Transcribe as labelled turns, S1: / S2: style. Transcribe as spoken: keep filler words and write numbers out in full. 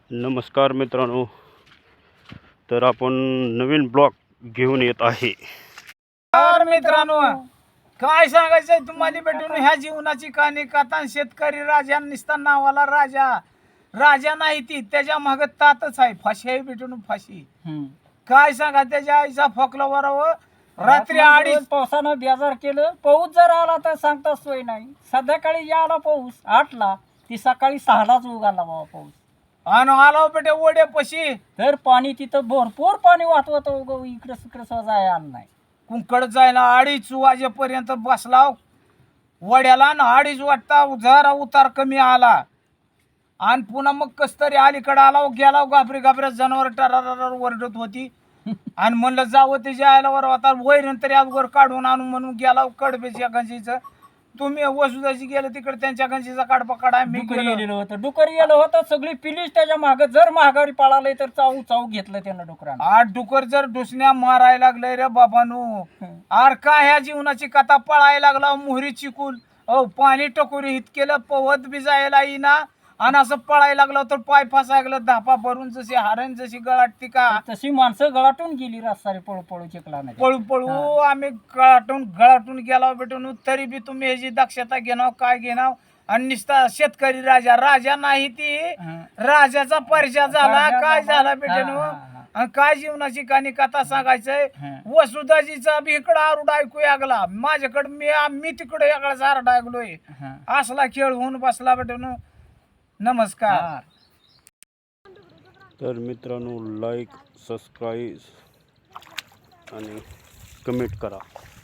S1: नमस्कार मित्रांनो, तर आपण नवीन ब्लॉग घेऊन येत आहे.
S2: तर मित्रांनो, काय सांगायचंय तुम्हाला भेटून ह्या जीवनाची कहाणी कथा. शेतकरी राजा निसता नावाला राजा राजा नाही, ती त्याच्या मागे तातच आहे. फाशी आहे भेटून फाशी. काय सांगा, त्याच्या आईचा फोकला बरोबर रात्री अडीच
S3: पावसानं बेजार केलं. पाऊस जर आला तर सांगता सोय नाही. संध्याकाळी आला पाऊस आठला, ती सकाळी सहालाच उगाला बाबा पाऊस.
S2: आणि आला बेटे ओढ्यापाशी,
S3: तर पाणी तिथं भरपूर पाणी वाहत होतं. इकडं तिकडं जाय आलं नाही.
S2: कुंकड जायला अडीच वाजेपर्यंत बसला वड्याला. आणि अडीच वाजता जरा उतार कमी आला आणि पुन्हा मग कस तरी अलीकडे आला, गेला घाबरी घाबऱ्या जनावर टरार वरडत होती. आणि म्हणलं जावं ते जायला वर आता वैरण तरी अगोदर काढून आणून म्हणून गेला कडबेच्या गंजीचं. तुम्ही वसुदाची गेलं तिकडे त्यांच्या गंजीचा काढपा काढा. मी
S3: डुकर
S2: गेलो
S3: गेलेलं होतं डुकर गेलं होतं. सगळी पिलीच त्याच्या मागे. जर महागारी पळालंय तर चाऊ चाऊ घेतलं त्यानं डुकरानं.
S2: आठ डुकर जर डुसण्या मारायला लागलंय रे बाबानू. आर का ह्या जीवनाची कथा पळायला लागला मोहरी चिकूल. अहो पाणी टकोरी हित केलं, पवत बी जायला येईना. आणि असं पळायला लागलं तर पाय फासायला धापा भरून जशी हारण जशी गळाटती का
S3: तशी माणसं गळाटून गेली रस्तारी पळू पळू चिकला नाही.
S2: पळू पळू आम्ही गळाटून गळाटून गेला भेटून. तरी बी तुम्ही ह्याची दक्षता घेणार काय घेणार. आणि निसता शेतकरी राजा राजा नाही, ती राजाचा परिचय झाला. काय झाला भेटेनो आणि काय जीवनाची कहाणी कथा सांगायचंय. वसुदाजीचा बी इकडं आरडा ऐकू लागला. माझ्याकडे मी मी तिकडे याकडे आरडा ऐकलोय. असला खेळ होऊन बसला भेटेनो. नमस्कार.
S1: तर मित्रांनो, लाईक, सबस्क्राईब आणि कमेंट करा.